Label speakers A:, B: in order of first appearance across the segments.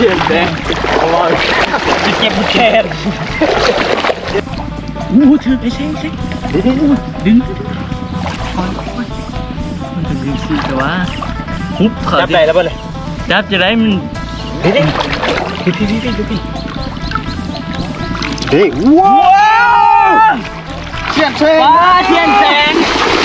A: ขียนแดงจะเก็บแขนถือไอ้เซ็งดึงมันจะดึงสิแต่ว่าฮุบจับได้แล้วป่ะเลยจับจะได้มันพี่ว้าวเทียนแสงเทียนแสง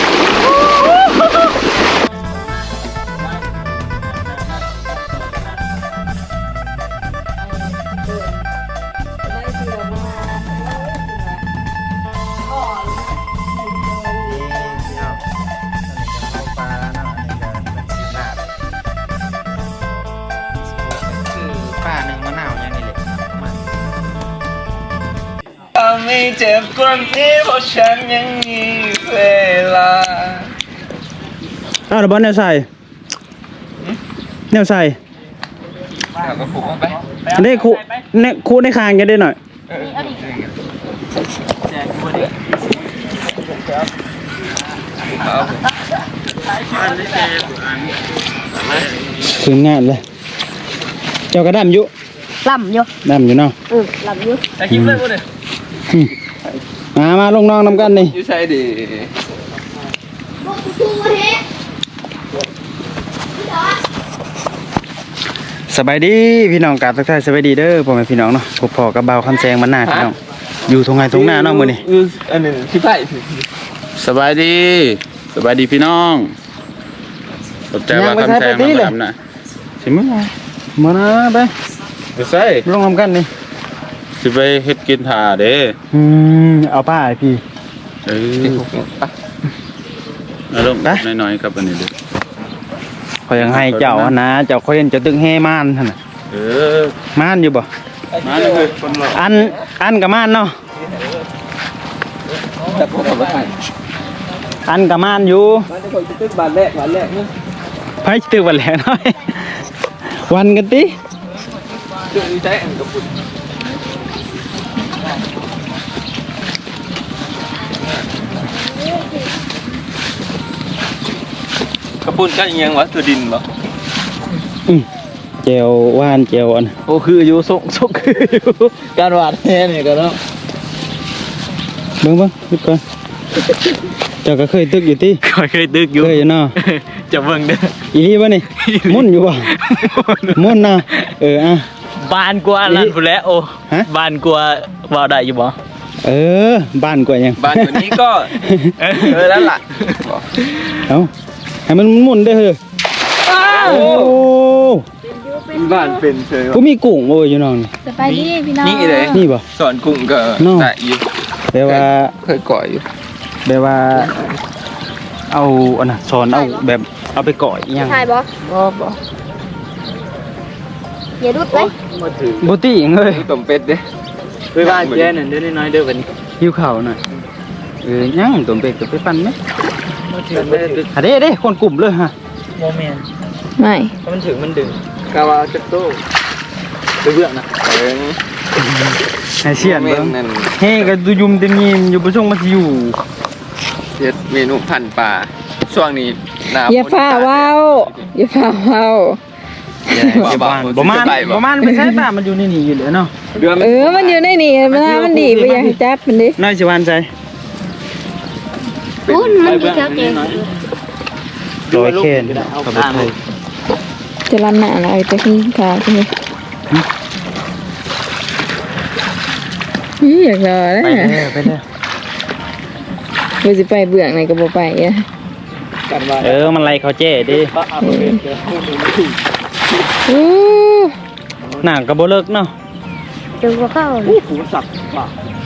A: ไม่เจ็บกว่านี้เพราะฉันยังมีเวลา
B: ระเบิดแนวใส่แนวใส่
A: ก็ผูกไป
B: ได้คูได้คางกันได้หน่อยถึงงานเลยเจ้ากระดำอยู่
C: ลำอยู่
B: เนาะ
C: ลำอยู่
A: แต่คิดเลยว่าเนี่ย
B: มาลงน้องนำกันนี่
A: ยูใช่ดิ
B: สบายดีพี่น้องกาดทักทายสบายดีเด้อพ่อแม่พี่น้องเนาะพบพอกับเบาคำแซงมันหน้าพี่น้องอยู่ทงไงทงหน้าเนาะมื้อนี้
A: อันนี้พี่ไผ่
D: สบายดีพี่น้องขอบใจว่าคำแซงมาทำนะสิมึง
B: มานะไป
D: ใส่
B: ลงนำกันนี่
D: สิไปเฮ็ดกินถ่าเด้
B: เอาป้าไอพี่
D: เอาลงน้อยๆครับอันนี้เด้อ
B: ขอยังให้เจ้านะเจ้าขอยังจะตึงแห่ม่านท่านน่ะม่านอยู่บ่
D: ม่านเลยคนหล่อ
B: อันกับม่านเนาะอันกับม่านอยู่
A: มันจะคนตึกบานแรกนึง
B: ไผตึกบานแรกน้อยวันกันติ
A: ตึกนี้ใช้อันกับปุ่นกระปุนก็ยังวะตัวดินบ่
B: เจียวว่านเจียวอัน
A: โอ้คืออยู่ส่งคืออยู่การวาดแน่นี่ก็เนาะ
B: เบิ่งนึกก่อนเจ้าก็เคยตึกอยู่ติ
A: เคยตึกอยู่
B: เคยเนาะ
A: จะเบิ่งเด้อ
B: อีนี่บ่นี่มุ่นอยู่บ่มุ่นนะ
A: บานกว่านั่นพุ่นแล้วโอ้บานกว่าว่าได้อยู่บ่
B: บ้านกว่ายัง
A: บ้านกว่านี้ก็แล้วล่ะ
B: เอาให้มันหมุนได้เฮ้ยโอ้
A: บ้านเป็นเฉย
B: กูมีกุ้งโอ้ยอยู่น้อง
C: สบายดีพี่น้อง
A: นี่เลย
B: นี่บ่
A: สอนกุ้งก็ได้อยู่
B: แต่ว่า
A: เคยก่อยอยู่
B: แต่ว่าเอาอันน่ะสอนเอาแบบเอาไปก่อยยัง
C: ใช่บ่อย่าดุดไป
B: บ่ติงเอ้ย
A: ต้มเป็ดเด้ไปบ้านแจ้นั่นเด้น้อยเด้อวันนี้
B: หิวข้าวหน่อยยังต้มเป็ดก็ไปปั่นมั้ยเด้คนกลุ่มเลยฮะ
A: โมเมนต์
C: ไม่
A: ถ้ามันถึงมันดึงกาวาจักโต้ไปเบื้องนะ
B: ให้เสียนเบิ่งเฮ้ก็ดูยุ่มเต็มยิ้มอยู่บ่ช่วงมันสิอยู่
A: เฮ็ดเมนูพันปลาช่วงนี้หน้า
C: อย่าฟ้าว้าว
B: บ่มันไปใช้ตามันอยู่ในนี่อยู่เลยเนาะ
C: มันอยู่ในนี่มันดีไปยังจับมันดิ
B: น้อยสิวันใจ
C: มันดีจับเอง
B: ร้อยเคนกับไทย
C: จะรันหน้าอะไรจะขึ้นขาใช่ไหมอยากรอเลย
B: ไปเลย
C: เราจะไปเบื่อไหนก็บ่ไปอ่ะ
B: มันไรเขาเจ๊ดิหนังกระโบเลิกเนาะ
C: จะบ่เข้า
A: หูสับป่ะ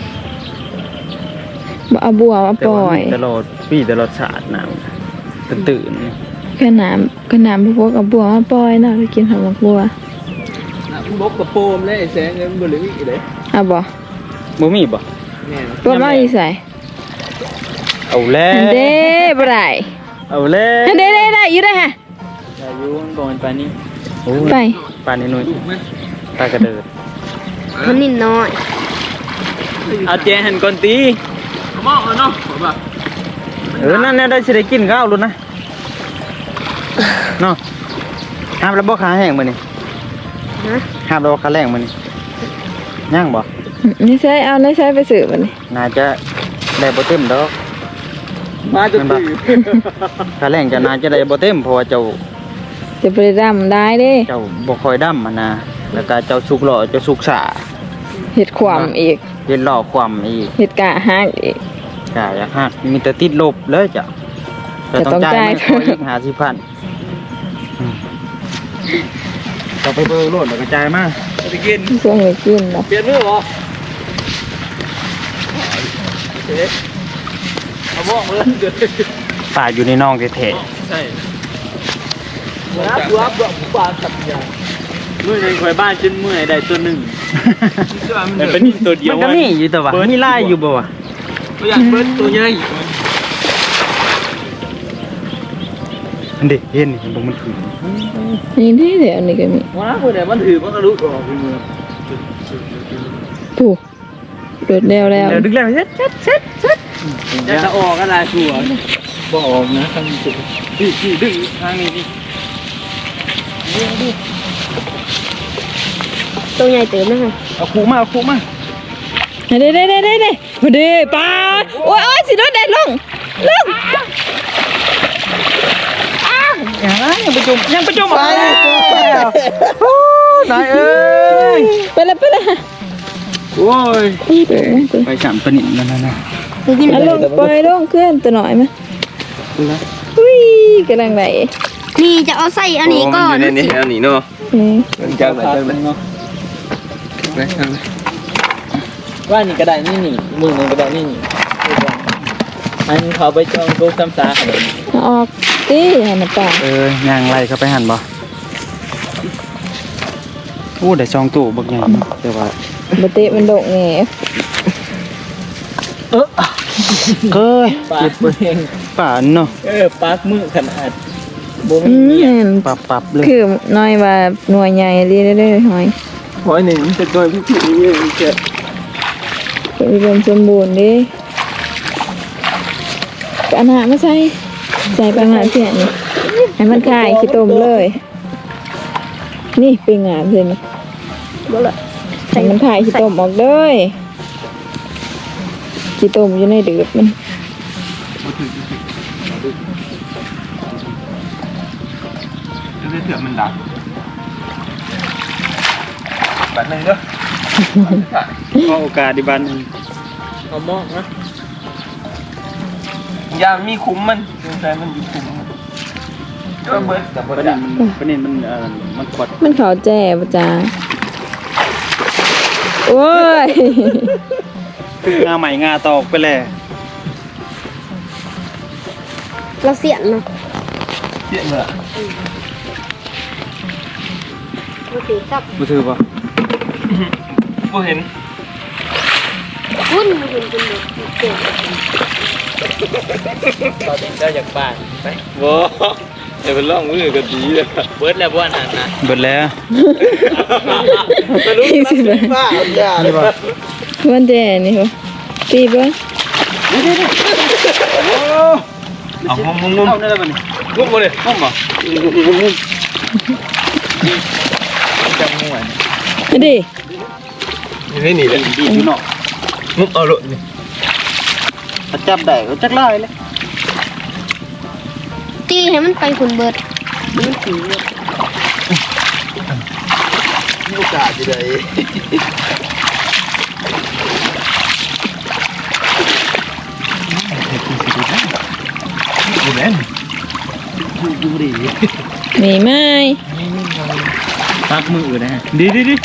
C: บ่เอาบัวมาปล่อย
B: ตลอดปีตลอดศาสตร์น้ำตื่น
C: ขนาดพวกเอาบัวมาปล่อยเนาะไปกินหอมบัว
A: บกกระโปมเลยแสงเงินบ่เหลืออีกเลย
B: บ่มีบ่
C: ตัวมาอีใส่
B: เอาแล้ว
C: เด้บ่ได้
B: เอาแล้ว
C: เด้อยู่ได้ฮะ
B: อยู่ก่อนไปนี่
C: ไป
B: ปานนี้หน่อยตากระเดิด
C: มันนิดน้อย
A: เอาเจหันก่อนตีมองเอาเนาะ
B: นั่นได้สิได้กินข้าวลุ้นนะเนาะน้ำแล้วบ่ขาแห้งมื้อนี้ห้ามเราค่าแรงมันย่างบ่
C: นี่ใช้เอานี่ใช้ไปสืบมันนี่
B: น่าจะได้บ่เต็มดอก
A: มาจะตี
B: ค่าแรงจะน่าจะได้บ่เต็มเพราะว่าเจ้า
C: จะไปดำได้เด้
B: เจ้าบ่ค่อยดำนะแล้วก็เจ้าสุกหล่อเจ้าสุกสา
C: เห็ดขวามอีก
B: เฮ็ดหล่อความอีก
C: เห็ดกะหักอีก
B: ก็อยากฮักมีแต่ติดลบเลยจ้ะ
C: แต่ต้องจ่าย
B: เงินอีก50,000เราไปเบอร์โลดแล้วก็จ่ายมา
A: ไปกิน
C: ช่วงนี้กินเนาะ
A: เปลี่ยนมือบ่เอาบ้องเลยเดือด
B: ป่าอยู่ในน้องแท้
A: ใช่รับปลาสัตว์ใหญ่มือในคอยบ้านจนมือใดตัวหนึ่งแต่เป็นตัวเดี
B: ๆ
A: ยว
B: มันก็มีอยู่แต่ว่ามีลายอยู่บ่วะ
A: ตัวใหญ่เบิ้ลตัวใหญ่
B: อันเด็เห็นนี่บ่มันคือ
C: นี่ที่เดี๋ยวอันนี้ก็มี
A: ว้าคนไหนมันถือมันก็รู้ออกมือ
C: ถูกโดดแล้ว
B: เดี๋ยวดึกแล้วเฮ็ด
A: จะออกอะไรชัวบ่ออกนะทางนี้ดึงทางนี้ดิ
E: ตัวใหญ่เติมนะคะ
B: เอาคูมาเอาคูมา
C: เด้พอดีปลาโอ้ยสิโดดเด็ดลง
B: ยังประจุมไปนายเอ้ย
C: ไปเลย
B: โอ้ย
C: นี่เด้อ
B: ไปสามปนิดนั่นน่ะ
C: เอาลงปล่อยลงเคลื่อนตัวหน่อยมั้ยอุ้ยกำลังไหล
E: นี่จะเอาใส่อันนี้ก่อน
F: อันนี้เนาะ
A: มันจังเลยเนาะว่านี่ก็ได้นี่มือนึงก็ได้นี่อันเขาไปจองตู้ซ้ำซาก
C: เอาออกตีให้มันป่า
B: ย่างไรเข้าไปหันบ่โอ้ได้ซองตู้บักใหญ่เนาะแต่ว่า
C: บเตะมันโดกแง
B: เอ้ย
A: ปากเอง
B: ป่านเนาะ
A: ปากมือขนาดโบ
C: อื
A: มีเนี่ย
C: ม
B: ปับเลย
C: คือน้อยว่าหน่วยใหญ่เรื่อยๆหอย
A: หอยหนึ่งจะโดยผู้ผิดนี่เกิด
C: อุดมสมบูรณ์ดิปัญหาไม่ใช่ใส่ปัญหาเสียนี่ให้มันคายขี้ต้มเลย นี่เป็นงามเลยนี่ให้มันคายขี้ต้มออกเลยขี้ต้มอยู่ในเดือดมัน
F: เถื่อมันดักแบบนึงเด้อ
B: ขอโอกาสดิบัน
A: เอามอกนะ
F: ยามีคุ้มมันแต่มันอยู่คุ้มก็เบิดแต่บ่
B: ประ
F: ได้
B: เด็นมันมันขด
C: มันเขาแจ่ปะจ้าโอ้ย
B: งาใหม่งาตอกไปเลย
E: เราเสียนเนาะ
F: เสียเหรอ
E: เราถือจับ
B: บ่ถือบ่
F: บ่เห็น
E: หุ้นมาเห็นเป็นแบบเก่ง
A: ตอนนี้ก็อยากบ้านไป
F: บ่เดี๋ยวเป็นร่องมือก็ดีเลย
A: เบิร์ดแล้วบ้านนั้นนะ
B: เบิดแล้ว
C: สิบ
F: ป้าเอายาเลยบ่
C: วันแจ่นี่เหรอปีบ้าง
F: เอางุม
B: เอาได้แล้วบัดนี้
F: งุมบ่เลย
B: งมบ่
A: จังหวะ
C: นี่ดิ
F: นี่นี่แหละ
B: ดีอยู่เนาะ
F: งุมเอาโลดนี่
B: ถ้าจับได้ก็จักลายเลย
E: ตีให้มันไปขุนเบิดมันถือ
F: มีโอกาสอยู่ได้อยู่แม่น
B: อยู่ดี
C: มีไหม
A: ปากมือนะฮะ
B: ดี
C: เดี๋ยว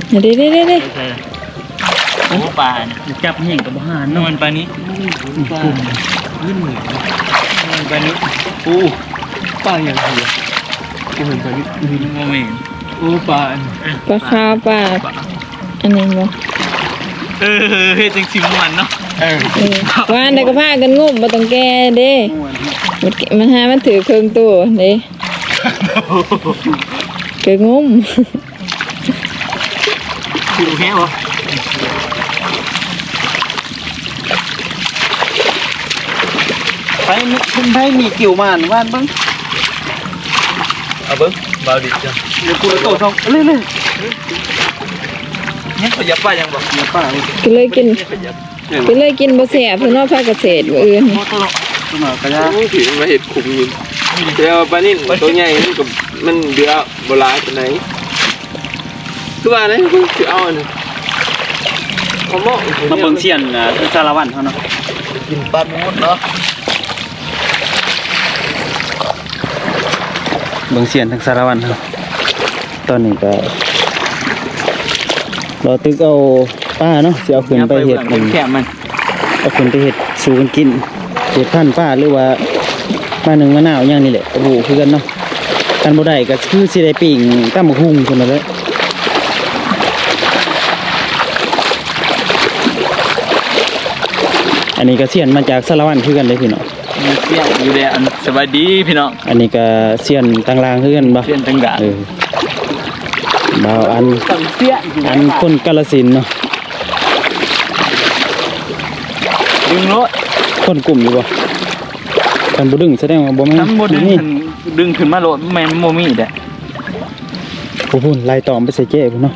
A: โอ้ปลาเนี่ยจับแห้งกับบ้านนอนปลานี้ปลาลื่นเหมือนปลานี้
F: โอ้ป้าอย่างเดียวกูเห็นตอนนี้
A: โมเมน
F: โอ้ป้า
C: ปลาขาวปลาอันนี้บ่
A: เฮ้ยจริงสิมันเนาะ
C: ว่านได้ก็พากันงุ่มมาต้องแก้เด้มันหามันถือเครื่องตัวเด้เกิดงุ่ม
A: คือแค่บ่
B: ไปคุณไผมีกิ่วมานว่านเบิ่ง
F: เอาเบิ้งเบาดิจ้ะ
B: เดี๋ยวกูโตทองเรื่อย
F: เนี่ยเขาอยากป้ายังบอกอยากป้า
C: ก็เลยกินบ่แซ่บเพิ่นว่าภาคเกษตรบ่อื่น
B: ตัวหน่อยก็ได้
F: ถือมาเห็ดขุมยินเดี๋ยวปลานิ่นตัวใหญ่มันกับมันเดือโบราณตัวไหนตัวไหนคือเอาเนี่ยเขาหม้อ
B: มาเบิ่งเสียนสารวัตรเขาเนาะ
F: กินปลาหมดเนาะ
B: เบิ่งเสียนทั้งสารวัตรเขาตอนนี้ก็เราตึกเอาป้าเนาะสิเอาขึ้นไปเฮ็ดมัน
A: แคบมัน
B: เอาขึ้นไปเฮ็ดสู่กันกินเฮ็ดพันธุ์ป้าหรือว่าป้าหนึ่งมะนาวอย่างนี้แหละโอ้โหคือกันเนาะกันบ่ได้ก็คือสิได้ปิ้งตำบักหุ่งพุ่นน่ะเด้ออันนี้ก็เสียนมาจากสารวัตรคือกันเลยพี่น้อง
A: มีเสียงอยู่แล้วสวัสดีพี่น้อง
B: อันนี้ก็เสียนต่างลางคือกันบ่
A: เสียงต่างดาว
B: บ่าวอัน
A: เสียงอยู่
B: อันคนกาฬสินธุ์เนาะ
A: ดึงรถ
B: คนกลุ่มอยู่บ่คันบ่ดึงแสดงว่าบ่แม่น
A: น้ำบ่ดึง
B: นี่
A: ดึงขึ้นมาโหลดแม่นบ่มีเด้
B: ผู้พุ่นไล่ตอมไปใส่เจ้พุ่นเนาะ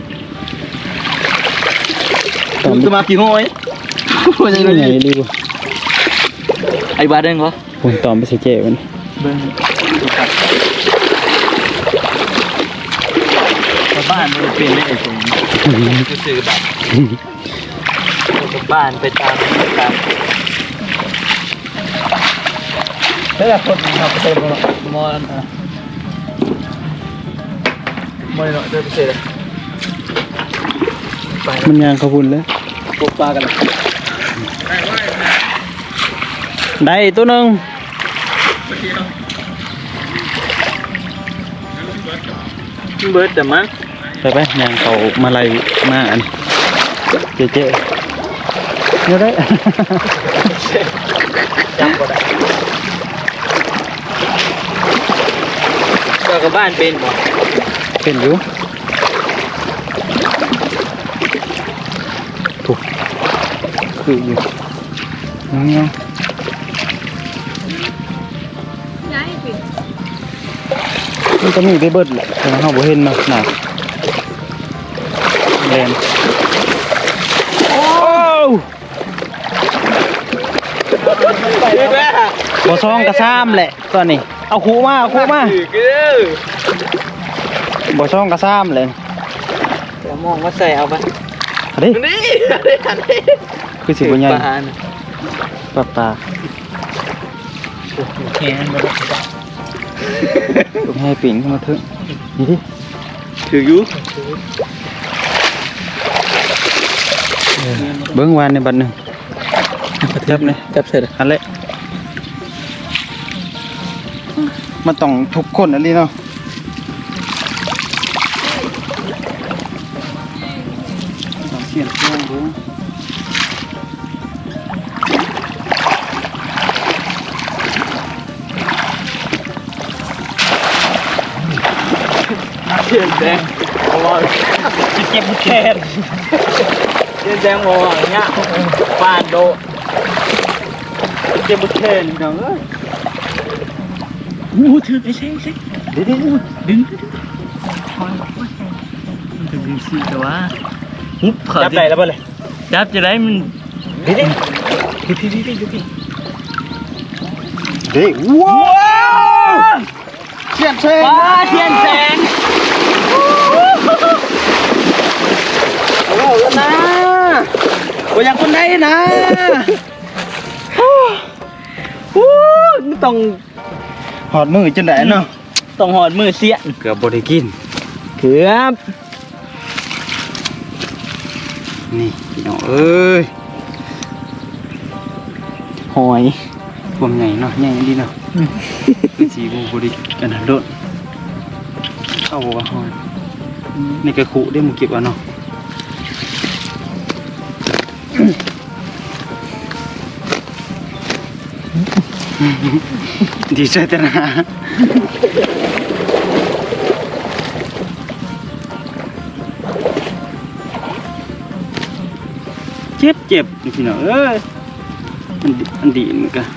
B: ตอม
A: จะมากี่ห้อย
B: ยังไงดีบ่
A: ไอ้บาเด้งเหรอ
B: พุ่นตอมไปใส่เจ้พุ่น
A: เบิ่งบ้านมันเป็นได้ไอ้ผมจะซื้อแบบบ้านไปตามแล้วคนขับไปมอเนาะเดินไปเสร็จ
B: มันยางเขาพุ่นแล้ว
A: ปลูกปลากัน
B: ได้ตัวหนึง
A: เบิร์ดแต่มั้ง
B: ไปยางเขามาไล่มาอันเจ้เดี๋ยวได้
A: จำก็ได้ก็กับบ้านเป็นบ่
B: เป็นอยู่ถูกคืออยู่เงี้ยมันก็มีไปเบิดแหละแต่เราบ่เห็นเนาะน่ะแดนโอ้บ่ซองกระซ้ำแหละตอนนี้เอาคูมาบ่ซองกระซ้ำเลย
A: เดี๋ยวมองว่าใส่เอาไป
B: อันนี้
F: นี่
B: คือสิบ่ใหญ่
A: ปลา
B: ปลา
A: แข็งบ่ได้
B: ลูกให้ปิ่งขึ้นมาเถอะนี่ดิ
F: ถืออยู่
B: เบิ้งวานในบัดหนึ่งจับเลย
A: จับเสร็จ
B: อันเละมันต้องทุกคนอันนี้เนาะเสียงเครื่องดู
A: เทียนแดงบ่เก็บแขนเทียนแดงบ่เนี่ยปานโดเก็บแขนน้องเอ้ยถือไปเซ็งดึงมันจะดึงสิแต่ว่าหุบเขา
B: จับได้แล้วบ่เลย
A: จับจะได้มัน
B: ดิ ว้าวเสียนแสง
A: ปลาเทียนแสง
B: โอ้แล้วนะบ่อยากคนใดนะ
A: ต้อง
B: หอดมือจนได้เนาะ
A: ต้องหอดมือเสียน
B: เกือบบ่ได้กิน
A: เกือบ
B: นี่พี่น้องเอ้ย
A: หอย
B: พวงใหญ่เนาะใหญ่ดีเนาะเป็นสีบูบริกันโดดเข้าว่าหอยนี่กระขุได้มึงเก็บเอาเนาะดีใจแต่นะเจ็บนี่พี่น้องเอ้ยอันดีมันก็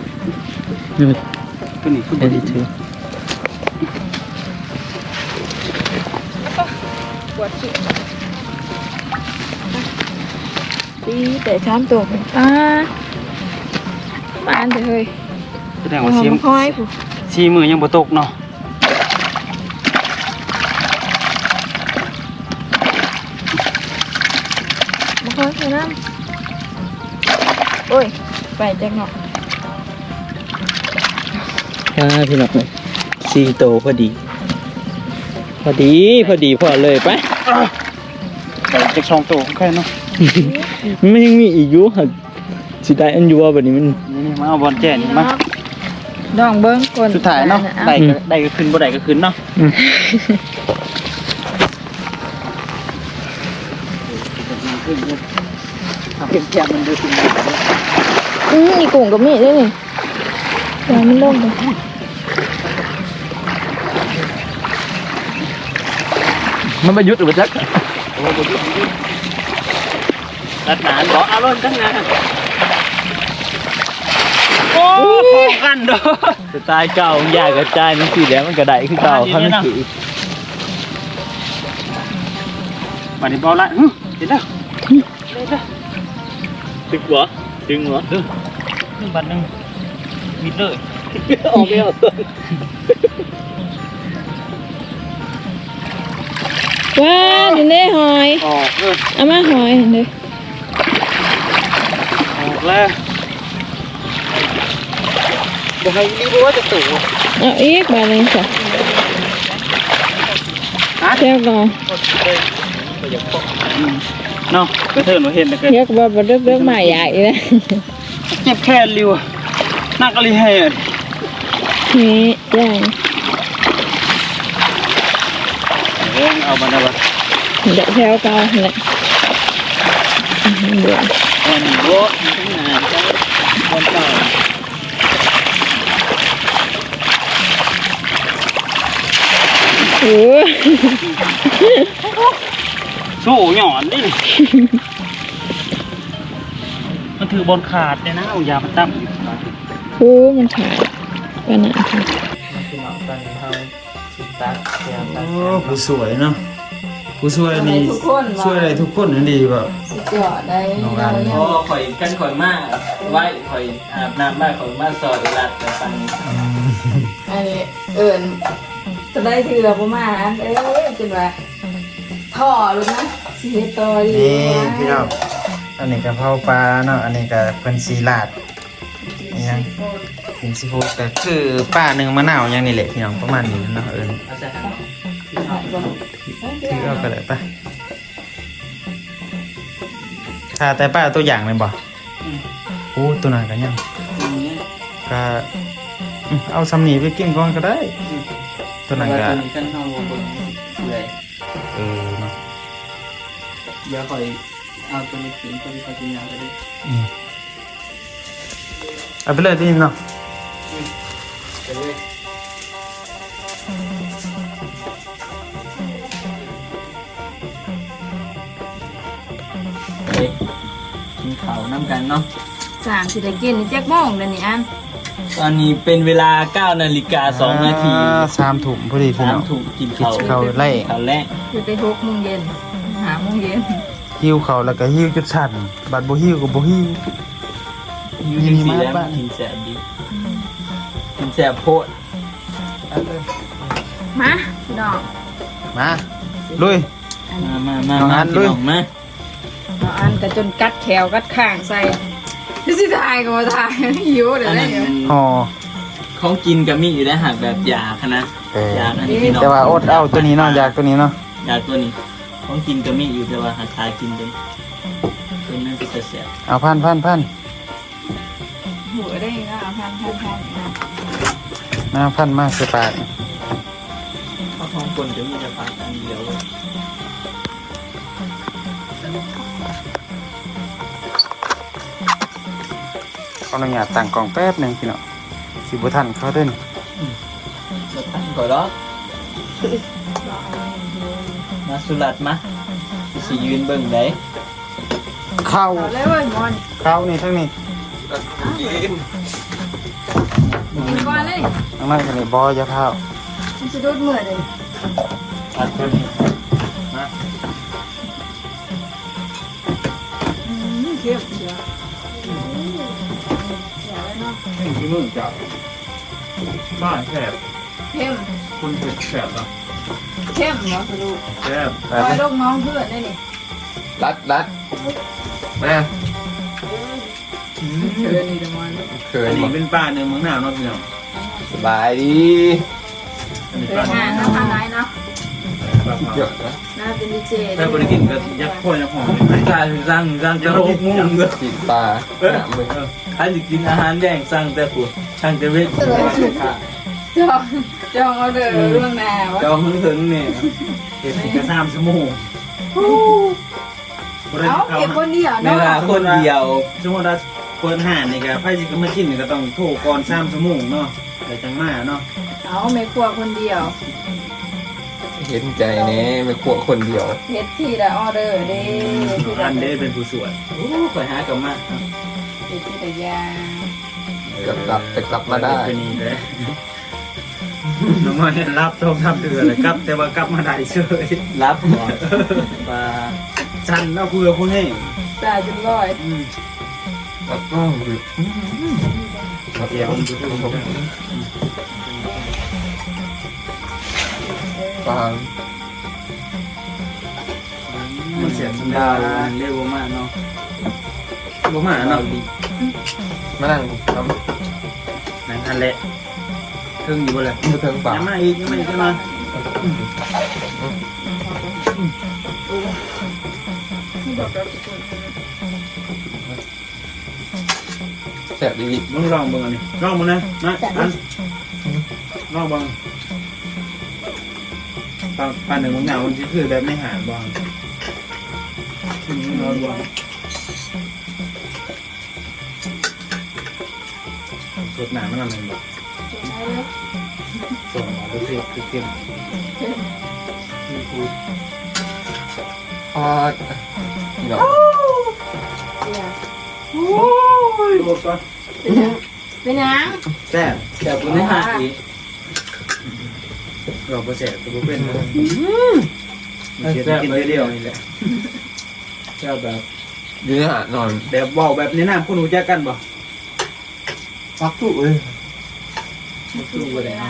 B: ตัวนี้คือบริเท
C: วดขี้ตีแต่ช้ำตัวป้าอันเถอะเฮ้ย
B: แสดงว่าเสียม
C: ค่อยผู้
B: สีมือยังบ่ตกเนาะ
C: มาค่อยแค่นั้นโอ้ยไปจังเนาะ
B: พี่น้องเลย4โตพอดีพอเลยไปจะ2โตแค่เนาะ มันยังมีอีกอยู่หักสิได้อันอยู่ว่าบัดนี้มันนี่มาเอาบอลแจ้นี่มา
C: ดองเบิ้งคน
B: สุดท้ายเนาะได้ก็ขึ้นบ่ได้ก็ขึ้นเนาะเก็บแก้มมันดูสิ
C: อีกุ้งกับมีดด้วยนี่แต่มันลงไป
B: มันมายุดหรือบ่จัก
A: รัดหนานบอกเอารถตั้งนาน
B: โอ้พอกันเด้อสไตล์เก่าใหญ่กระจายมันสิแล้วมันก็ได้คือเก่าเขาไม่ถือบัดนี้บ่ละเห็นแล้วตึกหัวดึงหัวนี่บัดนึงมิดเลยออกไม่ออก
C: ว้าวเห็นได้หอย
B: ออกเลย
C: เอามาหอยเห็นเลย
B: ออกแล้วบ่ให้รีบว่าจะตู่
C: เอาอีกบาทนึงค่ะเที่ยวก่อน
B: เนาะกระเทินว่าเห็นแล้วก็
C: เที่ยวกับเรื่องใหม่ใหญ่เลย
B: เจ็บแค่ริวนักอะไรให้อ่ะ
C: นี่อย่าง
B: เอามาได้ปะ
C: เดี๋ยวเที่ยวก่อนเลยเดี๋ยว
B: วันโบทั้งงานวันเก่า
C: โอ้
B: โซ่หย่อนดิมันถือบอลขาดเลยนะเอายามาตั้ม
C: โหมันขาดขนาดนี้
B: ผู้สวยเนาะผู้สวยนี่ช่วยอะไรทุกคนนั่นดีแบบ
C: จอดได้
B: น้องอัน
A: โอ้ข่อยกันข่อยมากไว้ข่อยอาบน้ำบ้านข่อยมาซอยรัดแต่ฟัง
C: อันนี้เอิญจะได้ถือประมาณจนว่าท่อรู้นะสีโตดี
B: นี่พี่น้องอันนี้กะเพราปลาเนาะอันนี้กะเพิ่นซีลาดนี่ยังกินซีฟู้ดก็คือป้าหนึ่งมะนาวอย่างนี้แหละพี่น้องประมาณนี้เนาะเอิญถือเอาก็ได้ปะค่ะแต่ป้าตัวอย่างเลยบ่โอ้ตัวนั้นก็ยังก็เอาสำนีไปกินก่อนก็ได้ตัวนั้นก็
A: กันเฮาเลย
B: เนาะ
A: เดี๋ยวข่อยเอาตัวนี้กินตัวนี้ข่อยกินยาไปดิ
B: เอาไปเลยดิเนาะ
A: ไปเลยกินข้าวน้ำกันเนาะ
C: 3สิได้กินนี่จักโมงเดี๋ยวนี้อัน
A: ตอนนี้เป็นเวลา9 นาฬิกา 2 นาที
B: 3 ถุงพอดีพี่น้อง
A: 3 ถูกกินข้าว
B: เขาไล่
A: ข้าวแรก
C: คือไป6 โมงเย็น5 โมงเย็น
B: หิวเขาแล้วก็หิวจุดสั่นบัดบ่หิวก็บ่หิว
A: อยู่จังซี่แล้วมันกินแสบดีกินแสบโพด
C: มาพี่น้อง
B: มาลุย
A: มา
B: น้องอัน
A: พี่
B: ลุย
A: น้องมา
C: เอาอันก็จนกัดแขวกัดข้างใส่นี่สิทายก็มาทายหิวเดี๋ยว
A: อัน
C: ได้
A: นั้น
B: ห่อ
A: ของกินก็มีอยู่ได้หากแบบยาคณะยาอันนี้พี่น้อง
B: แต่ว่าอดเอาตัวนี้เนาะอยากตัวนี้เนาะ
A: ยาตัวนี้ของกินก็มีอยู่แต่ว่าหาทากินเป็นตัวนั้นก็จะแสบ
B: เอาพัน
C: หัวได้นะพันนะ
B: มาพันมาใส่ปาก
A: ข้าวทองคนจะมีแต่ปลาอันเดียว
B: ขออนุญาตตั้งกล่องแป๊บหนึงพี่น้องสิบ่ทันเขาเด้น
A: มาตั้งก่อนแล้วมาสุรัตมาสิยืนเบิ่งได้
B: เข้า
C: เอาเลยเว้ยมอน
B: เข้านี่ทั้งนี้
C: กินก่อนเลย
B: ทั้งนั้นก็นี่บ่อย่าพาว
C: มันจะดูดเหมือนเลย
A: อัดตัวนี้
B: มา
C: เข้มเดี๋ยว
D: ที่มึงจับบ้านแคบ
C: เข้ม
D: คุณเผ็ดแคบอ่ะ
C: เข้มเหรอสรุป
D: แคบ
C: คอยลูกน้องเพื่อนได้นี่
F: รัดมา
C: เพื่อนนี่เดี๋ยวมัน
F: เคย
A: อันนี้
F: บ่
A: เป็นปลาเนื้อเมืองหนาวเนาะพี่น้อง
F: สบายดี
A: อันนี้
C: เค
A: ปลาย
C: หาน้ำพันไหนเนาะ
A: ปลาเผา
F: เยอะนะ
C: น่าเป็นดีเจ
A: ถ้าบริกินก็ยักษ์พ่อยักษ์หอมไม่
B: การสั่งแต่6 โมงเด้อ
F: กินปลาหนักมึง
B: ถ้าสิกินอาหารแดงสั่งแต่ผู้สั่งแต่เวท
C: จองเอาเด้อเรื่องแนว
B: จองถึงนี่
A: เก็บกระซามชั่วโมง
C: เอาเก็บคนเดียว
B: เว
C: เนาะ
B: ลาคนเดียว
A: สมมติว่าเปิดห่านนี่ก็ไพ่สิก็มากินนี่ก็ต้องโทรก่อน3 ชั่วโมงเนาะแต่จังมาเนาะ
C: เอาไม่ครัวคนเดียว
F: เห็นใจเนี้ไม่ขวคนเดียว
C: เฮ็ดที่ละออเดอร์เด้ที่
A: อั
C: ละ
A: นเด้เป็นผู้สวย
B: โอ้ข่อยหากับมา
C: เฮ็ดที่ละยาง
F: กลับมาได้
A: เป็นนี่เลยน้องมอยรับชมทำเดือเลยครับ แต่ว่ากลับมาได้เฉย
B: รับหมอปลา
A: ชันเอาเพื่อผู้ให้
C: ปลาจุร้อย
F: แล้วก็คือ
A: เดี๋ยว
F: ปลา
A: มันเสียสัญญาเรียกว่ามากเนาะบ่มาเนาะ
F: มานั่งท
A: นั่นทันแหละถึงอยู่บ่เลย
F: ำมือเทิงปลา
A: ยังมาอีกยังมาอีกจะมา
F: แสบดี
A: มึงลองเบิ่งอันนี้ลองมึงนะนะอันลองเบิ่งปลาหนึ่งมึงเหงามันคือแบบไม่หาบ่ลองเบิ่งสดหนามันอะไรบ่ส่งมาดูสิคือเข้ม
F: พอเนาะ
A: โอ้ยโดดก่อน
C: เป็นยัง
A: แซ่บ
B: แต่ผู้ไม่หาอีก
A: เราบ่แซ่บตัวเป็นเดี๋ยวกินเดียวนี่แหละ
B: เจ้าแบบ
F: อยู่ในหาดนอน
A: แบบเว้าแบบนี้นะคุณรู้จักกันบ่
F: ฟักตู้เลย
B: สู้บ่ได้อ่าน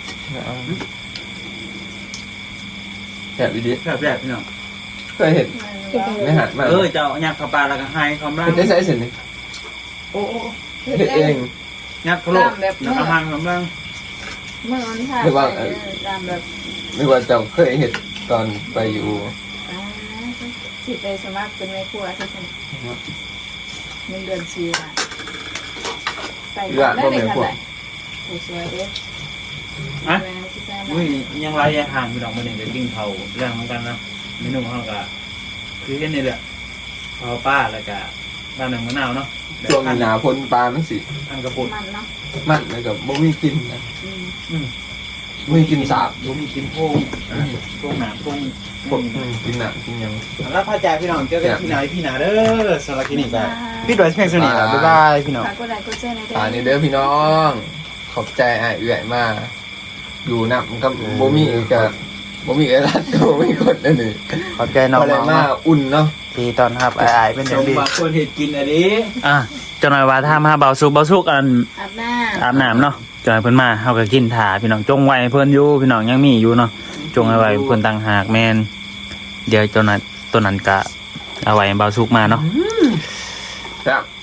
F: แสบดี
A: แซ่บๆพี่น้อง
F: เคยเห็นในหาดมา
A: เจ้ายักเข้าปลาแล้วก็หายความรั
F: เห็
A: ง
F: นได้ใช้เสร็จนี่
A: โอ้
F: เห็นเอง
A: ยักเข้าโลกแล้วก็หางความรัง
C: เมื่อวันค่ะตามแบบ
F: ไม่ว่าจะเคยเห็นตอนไปอยู่
C: สิไปสมัครเป็นแม่ครัวที่ฉันเงินเดือน4 บาทใส่ได้เลยค่ะผู้สวยเด้
A: อ่ะ
C: แม่ที่ใส่
A: มึงยังไรยังห่างพี่น้องมื้อนี้ก็กินเผาเรื่องเหมือนกันนะเมนูเฮาก็คือเฮ็ดนี่แหละเผาป้าแล้วก็บ้านหนึ่งมะนาวเนาะ
F: ช่วงหนาพ้นปลามันสิ
A: อันกระปุก
C: มันเนาะ
F: มันแล้วก็บ่มีกินนะ
C: อืม
F: บ่มีกินสาบ
A: บ่มีกินโพงโพงหนาโพง
F: พวกกินหนักกินหยัง
A: แล้วพาจ่าพี่น้องเจอกันที่ไหนพี่หนาเด้อสำหรับคลินิกก็พี่ดอยเพียงสนิทบ๊ายบายพี่น้อง
C: ฝากกดไลค์กดแชร์ในเด้
F: ตานี่เด้อพี่น้อง ขอบใจอ้ายเอื่อยมาอยู่นับกับบ่มีกับบ่มีเอรัดก็บ่มีกดนั่นนี่
A: ขอบใจน้อง
F: อะไรมาอุ่นเนาะ
A: ที่ตอนครับอายเป็นอ
B: ช
A: ย่าง
B: ม
A: ดี
B: บางคนเห็ดกินอันนี้
A: จังหน่อยว่าถ้ามาเบาสุกอัน
C: อาบน้
A: อาบน้ำเนาะจังหน่อยเพิ่นมาเฮาก็กินถาพี่น้องจงไว้เพิ่นอยู่พี่น้องยังมีอยู่เนาะจงไว้เพิ่นต่างหากแม่นเดี๋ยวตัวนั้นก็เอาไว้เบาสุกมาเนาะ
F: ครับ